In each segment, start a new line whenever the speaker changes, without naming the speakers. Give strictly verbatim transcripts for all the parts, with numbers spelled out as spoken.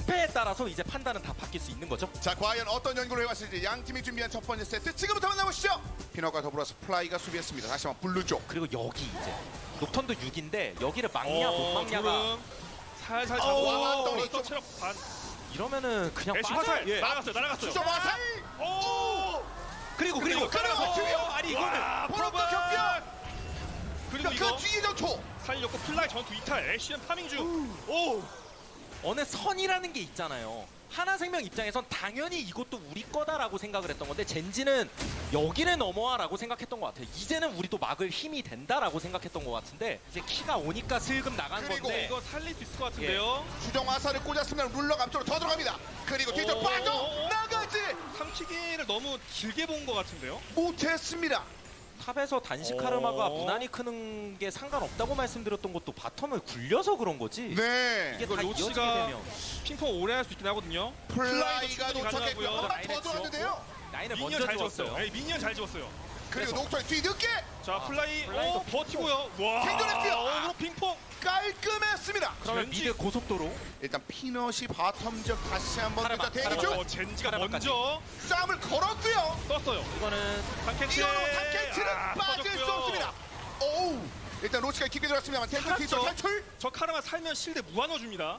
승패에 따라서 이제 판단은 다 바뀔 수 있는 거죠.
자, 과연 어떤 연구를 해왔을지 양 팀이 준비한 첫 번째 세트 지금부터 만나보시죠. 피너가 더불어서 플라이가 수비했습니다. 다시 한번 블루 쪽.
그리고 여기 이제 녹턴도 육인데 여기를 막냐 못
어,
막냐가
조름 살살
어,
잡고
왔더니
또
좀-
체력 반.
이러면은 그냥
애쉬
빠져.
화살
예.
날아갔어요. 날아갔어요.
수정 화살.
오!
그리고
근데
그리고
이거 깔아서
그리고 아니 이거는
와,
포로도
프로브!
격변.
그리고
그
이거
뒤에 전투.
살렸고 플라이 전투 이탈 애쉬는 파밍 중. 오!
어느 선이라는 게 있잖아요. 하나생명 입장에선 당연히 이것도 우리 거다라고 생각을 했던 건데 젠지는 여기를 넘어와라고 생각했던 것 같아요. 이제는 우리도 막을 힘이 된다라고 생각했던 것 같은데 이제 키가 오니까 슬금 나간
그리고
건데
이거 살릴 수 있을 것 같은데요.
수정 화살을 꽂았으면 룰러가 앞쪽으로 더 들어갑니다. 그리고 뒤쪽
오,
빠져
오, 오.
나가지
삼키기를 너무 길게 본 것 같은데요.
못했습니다.
탑에서 단식 카르마가
오.
무난히 크는 게 상관없다고 말씀드렸던 것도 바텀을 굴려서 그런 거지.
네.
이게
이거
다 이어지게
로치가
되면
핑퐁 오래 할 수 있긴 하고든요.
플라이가
충분히
도착했고요.
가능하고요.
한 번 더 들어왔는데요.
라인을
미니언
먼저
잘
지웠어요.
지웠어요. 네, 미니언 잘 지웠어요.
그리고
그래서.
녹턴 뒤늦게
자 플라이
플라이도
오 버티고요. 와
생존했고요.
어그로 핑퐁.
깔끔했습니다.
그러면
젠지.
미드 고속도로
일단 피넛이 바텀 적 다시 한번
카르마,
대기
카르마.
중
어, 젠지가
카르마까지.
먼저
싸움을 걸었고요.
떴어요.
이거는
탐켄치.
이어로 탐켄치는
아,
빠질 수
터졌고요.
없습니다. 오우. 일단 로치가 깊게 들어갔습니다만 탱크
살았죠.
뒤쪽 탈출.
저 카르마 살면 실드 무한어 줍니다.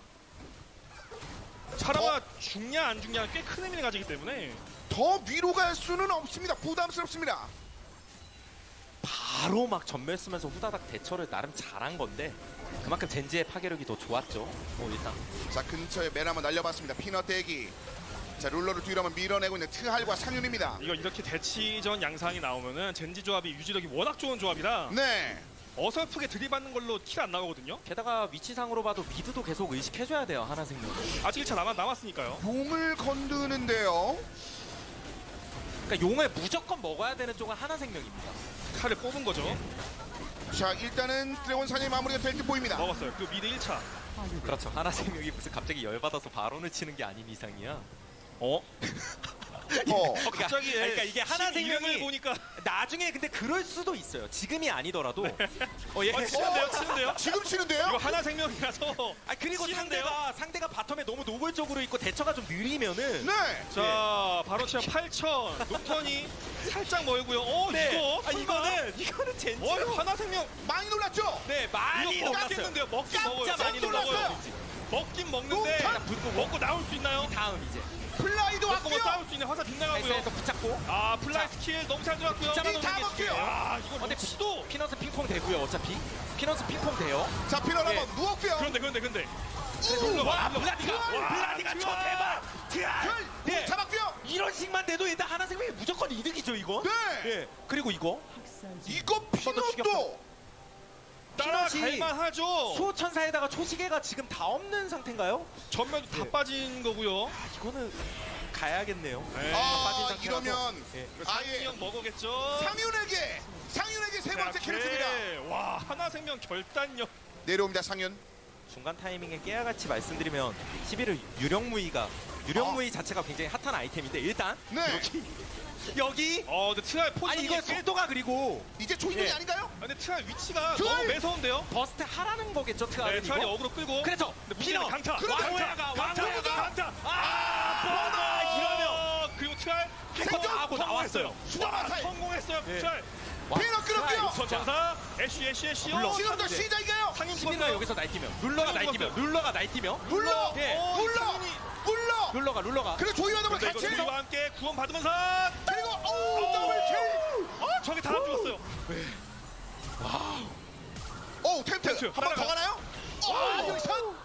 카르마 죽냐 안 죽냐는 꽤 큰 의미를 가지기 때문에
더 위로 갈 수는 없습니다. 부담스럽습니다.
바로 막 전멸 쓰면서 후다닥 대처를 나름 잘한 건데 그만큼 젠지의 파괴력이 더 좋았죠. 뭐 일단
자, 근처에 맨 한번 날려봤습니다. 피넛 대기. 자, 룰러를 뒤로 한번 밀어내고 있는 트할과 상윤입니다.
이거 이렇게 대치전 양상이 나오면은 젠지 조합이 유지력이 워낙 좋은 조합이라
네.
어설프게 들이받는 걸로 킬 안 나가거든요.
게다가 위치상으로 봐도 미드도 계속 의식해줘야 돼요. 하나생명.
아직 일 차 남았, 남았으니까요.
용을 건드는데요.
그러니까 용을 무조건 먹어야 되는 쪽은 하나생명입니다.
칼을 뽑은 거죠.
자, 일단은 드래곤 사냥이 마무리가 될 듯 보입니다.
먹었어요. 그 미드 일 차.
그렇죠. 하나생명이 무슨 갑자기 열받아서 바론을 치는 게 아닌 이상이야.
어?
어.
어 갑자기
그러니까, 그러니까 이게 하나생명이
이름을 보니까
나중에 근데 그럴 수도 있어요. 지금이 아니더라도. 어, 예.
어, 치는데요, 치는데요.
지금 치는데요?
이거 하나 생명이라서.
아 그리고
치는데요?
상대가 상대가 바텀에 너무 노골적으로 있고 대처가 좀 느리면은
네.
자, 바로 치아 팔천. 녹턴이 살짝 멀고요. 어,
네.
이거.
아 이거는 이거는 젠지.
어, 이거 하나 생명.
많이 놀랐죠?
네 많이
이거
놀랐어요.
먹겠는데요. 먹긴
깜짝
먹어요.
많이
깜짝
놀랐어요.
놀랐어요.
먹긴 먹는데
녹턴!
분노 먹고 나올 수 있나요?
다음 이제
플라이도
먹고 뭐
왔고요.
싸울 수 있는 화살 빗나가고요.
에스에서 붙잡고.
아, 플라이
자.
스킬 너무 잘 들어갔고요.
잡아놓는
다
게
먹게요.
중요해요.
아, 이거
근데
로치도.
피넛은 핑퐁 되고요. 어차피 피넛은 핑퐁 돼요.
자, 피넛
예.
한번 누웠고요.
그런데, 그런데, 근데.
우!
와,
블라디가
와,
블라디가 저
와.
대박.
별!
네.
잡았고요.
이런 식만 돼도 일단 하나생명이 무조건 이득이죠 이거.
네.
예. 그리고 이거
이거
죽였다.
피넛도
따라갈만 하죠.
수호천사에다가 초시계가 지금 다 없는 상태인가요?
전면도 다
예.
빠진 거고요.
아, 이거는 가야겠네요.
네.
아,
빠진 상태라서.
이러면
예.
상윤이
아예
형 먹어겠죠.
상윤에게 상윤에게 세 번째 킬을 줍니다.
오케이. 와, 하나 생명 결단력.
내려옵니다, 상윤.
중간 타이밍에 깨알같이 말씀드리면 십일을 유령무이가 유령무이 자체가 굉장히 핫한 아이템인데 일단
네.
여기 여기
어, 근데 트랄 포지션이
아니 이거
꽤-
속도가 그리고
이제 조이동이
예.
아닌가요?
아, 근데 트랄 위치가
트랄!
너무 매서운데요.
버스트 하라는 거겠죠
네,
트알은
트랄이
이거.
어그로 끌고.
그래서
근데
피너
문제는 강타.
그런데
왕호야가
강타,
왕호야가
강타.
아 뻔하 이러면
어, 그리고 트랄
생존!
하고 나왔어요.
수정화살.
성공했어요.
예.
트랄.
피넛 끌었고요.
자,
전사 애쉬 애쉬 애쉬.
물론.
어,
지금부터
네.
시작인가요?
상인
시민가
죽었어요.
여기서 날뛰면 룰러가
상인
날뛰면
죽었어요.
룰러가 날뛰면
물러!
예.
어,
물러!
상인이.
물러!
룰러가 룰러가
그리고 조이와더블
근데 이거
같이
조이와 함께 구원 받으면서
그리고 오 더블킬!
어, 저게 다 안 죽었어요.
오 템트
템트.
한 번 더
하나가.
가나요? 오 여기서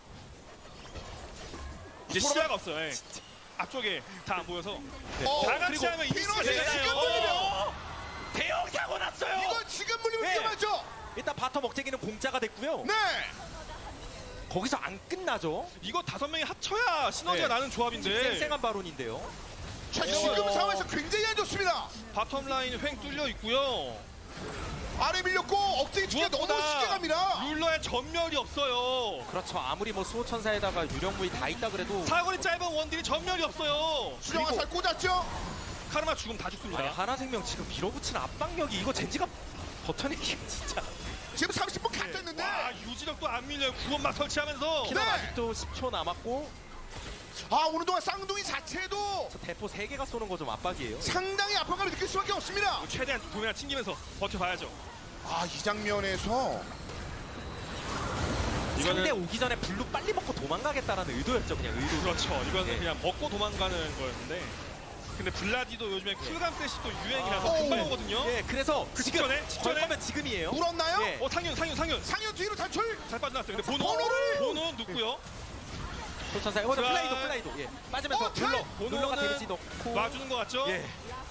이제 시야가 없어요. 예. 앞쪽에 다 안 보여서
어,
다 같이
그리고
하면 이길 수가
피넛이
있잖아요.
지금 물리면
어! 대형 사고 났어요.
이거 지금 물리면
네.
위험하죠?
일단 바텀 억제기는 공짜가 됐고요.
네!
거기서 안 끝나죠.
이거 다섯 명이 합쳐야 시너지가
네.
나는 조합인데
쌩쌩한 바론인데요.
자 지금 상황에서 굉장히 안 좋습니다.
바텀 라인 횡 뚫려 있고요.
아래 밀렸고 억제기 투기가 너무 쉽게 갑니다.
룰러의 전멸이 없어요.
그렇죠. 아무리 뭐 수호천사에다가 유령무이 다 있다 그래도
사거리 짧은 원딜이 전멸이 없어요.
수정화살 꽂았죠?
카르마 죽음 다 죽습니다.
아니 하나생명 지금 밀어붙이는 압박력이 이거 젠지가 버텨내기 진짜.
지금 삼십 분 갓 됐는데
와, 유지력도 안 밀려요. 구원막 설치하면서.
피넛
네.
아직도 십 초 남았고
아 오늘 동안 쌍둥이 자체도
저 대포 세 개가 쏘는 거 좀 압박이에요.
상당히 압박감을 느낄 수밖에 없습니다.
최대한 도매나 튕기면서 버텨봐야죠.
아 이 장면에서
상대 오기 전에 블루 빨리 먹고 도망가겠다라는 의도였죠. 그냥 의도.
그렇죠. 이거는
네.
그냥 먹고 도망가는 거였는데. 근데 블라디도 요즘에 쿨감 셋이 또 유행이라서
어.
금방 오거든요.
예, 그래서
그
지금
직전에?
걸
직전에?
거면 지금이에요.
물었나요?
예.
어 상윤 상윤 상윤
상현 뒤로 탈출.
잘 빠져나왔어요. 근데 보노
보노를!
보노 눕고요.
도천사. 이번에
자.
플라이도 플라이도. 예. 빠지면서
어,
눌러.
트라이!
눌러가
보노는
데미지 넣고.
놔주는 것 같죠?
예.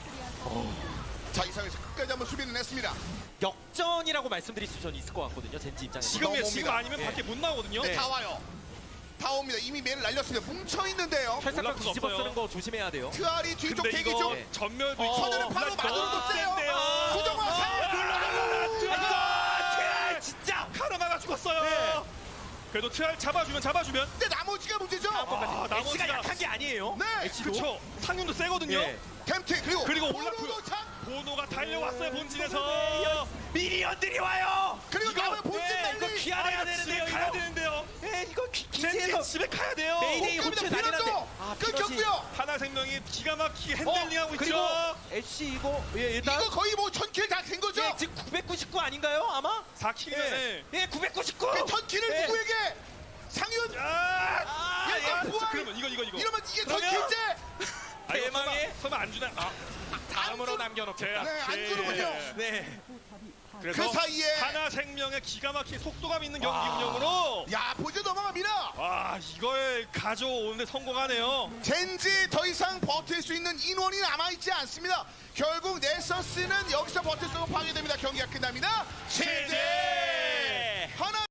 자 이상에서 끝까지 한번 수비는 했습니다.
역전이라고 말씀드릴 수 저는 있을 것 같거든요. 젠지 입장에서.
지금이야
넘어옵니다.
지금 아니면
예.
밖에 못 나오거든요.
네. 다 와요. 다 옵니다. 이미 매를 날렸습니다. 뭉쳐 있는데요.
철사병
올라프
뒤집어
없어요.
쓰는 거 조심해야 돼요.
트알이 뒤쪽
근데
대기
이거
중.
네.
전멸도
어,
있고
선제를 바로
블라디
맞으러
너무
세요.
센데요.
수정화
아,
살.
트랄!
진짜.
카르마가 죽었어요.
네.
그래도 트랄 잡아주면 잡아주면.
근데 나머지가 문제죠.
아,
아, 엑시가
나머지가-
약한 게 아니에요.
네.
엑시도.
그쵸. 상윤도 세거든요.
예.
템트 그리고
그리고
보노도
올라프.
참.
보노가 달려왔어요
네,
본진에서.
미니언들이 와요.
그리고
이거-
남은 본진
네,
난리.
이거 귀환해야
아,
되는데요.
집에 가야
이거.
되는데요.
예, 이거 기-
젠지
기지에서
집에 가야 돼요.
메이데이
못
호출
갑니다.
난리 났는데.
피넛도
아, 피넛이-
끊겼고요.
하나생명이 기가 막히게 핸들링하고
어, 그리고
있죠.
애쉬 이거 예, 일단
이거 거의 뭐 천킬 다 된 거죠.
예, 지금 구백구십구 아닌가요? 아마?
사 킬이네.
예, 예 구백구십구.
그 천킬을
예.
누구에게? 상윤.
아,
아,
야,
예.
이거
자,
부활.
그러면 이거 이거 이거.
이러면 이게
그러면-
천킬째.
아, 이거
대망의-
설마, 설마 안 주나? 아,
다음으로
안 주-
남겨놓겠다.
네, 안 주는군요.
네.
그래서
그 사이에
하나생명의 기가 막힌 속도감 있는 경기
와.
운영으로
야 보조 넘어갑니다.
와 이걸 가져오는데 성공하네요.
젠지 더 이상 버틸 수 있는 인원이 남아있지 않습니다. 결국 넬서스는 여기서 버틸 수 없고 파괴됩니다. 경기가 끝납니다.
제재!
하나